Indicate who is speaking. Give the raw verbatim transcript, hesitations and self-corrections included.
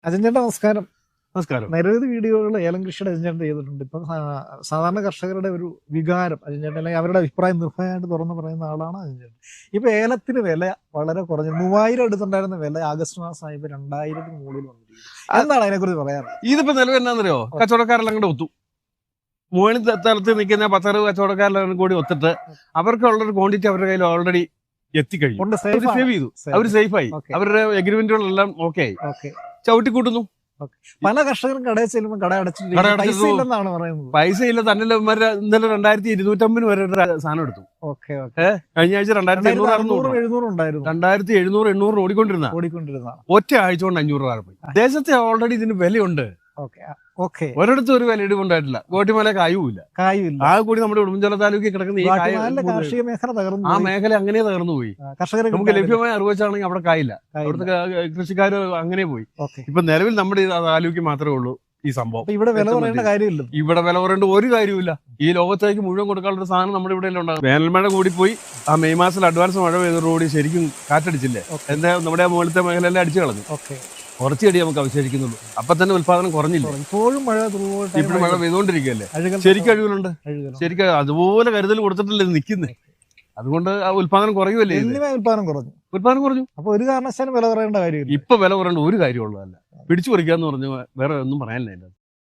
Speaker 1: അജൻ ചേട്ടാ നമസ്കാരം.
Speaker 2: നമസ്കാരം.
Speaker 1: നിരവധി വീഡിയോകൾ ഏലം കൃഷിയുടെ അജൻ ചേട്ടൻ ചെയ്തിട്ടുണ്ട്. ഇപ്പം സാ- സാധാരണ കർഷകരുടെ ഒരു വികാരം അജൻ ചേട്ടൻ അല്ലെങ്കിൽ അവരുടെ അഭിപ്രായം നിർഭയമായിട്ട് തുറന്ന് പറയുന്ന ആളാണ് അജൻ ചേട്ടൻ. ഇപ്പൊ ഏലത്തിന് വില വളരെ കുറഞ്ഞു, മൂവായിരം എടുത്തിട്ടുണ്ടായിരുന്ന വില ആഗസ്റ്റ് മാസമായി ഇപ്പൊ രണ്ടായിരത്തിന് മുകളിൽ വന്നിരിക്കുന്നു. എന്താണ് അതിനെക്കുറിച്ച് പറയാറ്?
Speaker 2: ഇതിപ്പോ നിലവിൽ എന്നാന്നറിയോ, കച്ചവടക്കാരെല്ലാം കൂടെ ഒത്തു. മുകളിൽ തലത്ത് നിൽക്കുന്ന പത്തറുപത് കച്ചവടക്കാരെല്ലാം കൂടി ഒത്തിട്ട് അവർക്കുള്ളൊരു ക്വാണ്ടിറ്റി അവരുടെ കയ്യിൽ ഓൾറെഡി എത്തിക്കഴിഞ്ഞു.
Speaker 1: കൊണ്ട്
Speaker 2: അവർ
Speaker 1: safe ആണ്.
Speaker 2: സേവ് ചെയ്തു,
Speaker 1: Safe.
Speaker 2: അവർ സേഫായി,
Speaker 1: Okay.
Speaker 2: അവരുടെ എഗ്രിമെന്റുകളെല്ലാം ഓക്കെ ആയി,
Speaker 1: Okay.
Speaker 2: ചവിട്ടിക്കൂട്ടുന്നു.
Speaker 1: പല കർഷകരും കടയിൽ ചെല്ലുമ്പോൾ കട
Speaker 2: കട
Speaker 1: അടച്ചിട്ട് പൈസ
Speaker 2: അടച്ചിട്ട്
Speaker 1: ഇല്ലെന്നാണ് പറയുന്നത്.
Speaker 2: പൈസ ഇല്ല. തന്നെ ഇന്നലെ രണ്ടായിരത്തി ഇരുന്നൂറ്റമ്പതിന് വരെ ഒരു സാധനം എടുത്തു.
Speaker 1: Okay okay.
Speaker 2: കഴിഞ്ഞ ആഴ്ച രണ്ടായിരത്തി എണ്ണൂറ്
Speaker 1: അറുന്നൂറ്
Speaker 2: അറുന്നൂറ്
Speaker 1: എഴുന്നൂറ് ഉണ്ടായിരുന്നു
Speaker 2: രണ്ടായിരത്തി എഴുന്നൂറ് എണ്ണൂറ് ഓടിക്കൊണ്ടിരുന്ന
Speaker 1: ഓടിക്കൊണ്ടിരുന്ന.
Speaker 2: ഒറ്റ ആഴ്ച കൊണ്ട് അഞ്ഞൂറ് രൂപ പോയി. ദേശത്തെ ഓൾറെഡി ഇതിന് വിലയുണ്ട്.
Speaker 1: Okay okay.
Speaker 2: ഒരിടത്തും ഒരു വില ഇടിവുണ്ടായിട്ടില്ല. ഗോട്ടിമല കായുമില്ല.
Speaker 1: കായുമില്ല.
Speaker 2: ആ കൂടി നമ്മുടെ ഉടുമ്പൻചോല താലൂക്കിൽ കിടക്കുന്ന ഈ കായ
Speaker 1: ഗുവാട്ടിമാലിലെ കാർഷിക മേഖല തകർന്നു
Speaker 2: ആ
Speaker 1: പോയി.
Speaker 2: മേഖല അങ്ങനെ തകർന്നു പോയി.
Speaker 1: കർഷകരെ
Speaker 2: നമുക്ക് ലഭ്യമായ അറിവ് വെച്ചാണെങ്കിൽ അവിടെ കായില്ല. അവിടുത്തെ കൃഷിക്കാർ അങ്ങനെ പോയി.
Speaker 1: ഓക്കെ.
Speaker 2: ഇപ്പൊ നിലവിൽ നമ്മുടെ ഈ താലൂക്കിൽ മാത്രമേ ഉള്ളൂ ഈ സംഭവം.
Speaker 1: അപ്പൊ ഇവിടെ വില പറയേണ്ട കാര്യമില്ല.
Speaker 2: ഇവിടെ വില പറയേണ്ട ഒരു കാര്യമില്ല. ഈ ലോകത്തേക്ക് മുഴുവൻ കൊടുക്കാനുള്ള സാധനം നമ്മുടെ ഇവിടെ ഉണ്ടാകും. വേനൽമഴ കൂടിപ്പോയി. ആ മെയ് മാസത്തിൽ അഡ്വാൻസ് മഴ പെയ്തതോടുകൂടി ശരിക്കും കാറ്റടിച്ചില്ലേ, എന്താ നമ്മുടെ മുകളിലത്തെ മേഖലയെല്ലാം അടിച്ചു കളഞ്ഞു.
Speaker 1: ഓക്കെ.
Speaker 2: കുറച്ച് ചെടി നമുക്ക് അവശേഷിക്കുന്നുള്ളൂ. അപ്പൊ തന്നെ ഉത്പാദനം കുറഞ്ഞില്ല.
Speaker 1: ഇപ്പോഴും മഴ
Speaker 2: ഇപ്പോഴും മഴ പെയ്തുകൊണ്ടിരിക്കുകയല്ലേ. ശരിക്കും കഴിവുകളുണ്ട്. ശരിക്കും അതുപോലെ കരുതൽ കൊടുത്തിട്ടല്ലേ നിൽക്കുന്നേ. അതുകൊണ്ട് ആ ഉത്പാദനം കുറയുമല്ലേ.
Speaker 1: ഉത്പാദനം കുറഞ്ഞു.
Speaker 2: ഉത്പാദനം കുറഞ്ഞു.
Speaker 1: അപ്പൊ ഒരു കാരണവശാലും വില പറയേണ്ട കാര്യമില്ല.
Speaker 2: ഇപ്പൊ വില കുറയേണ്ട ഒരു കാര്യമുള്ളതല്ല. പിടിച്ചു പറിക്കാന്ന് പറഞ്ഞു വേറെ ഒന്നും പറയാനില്ല.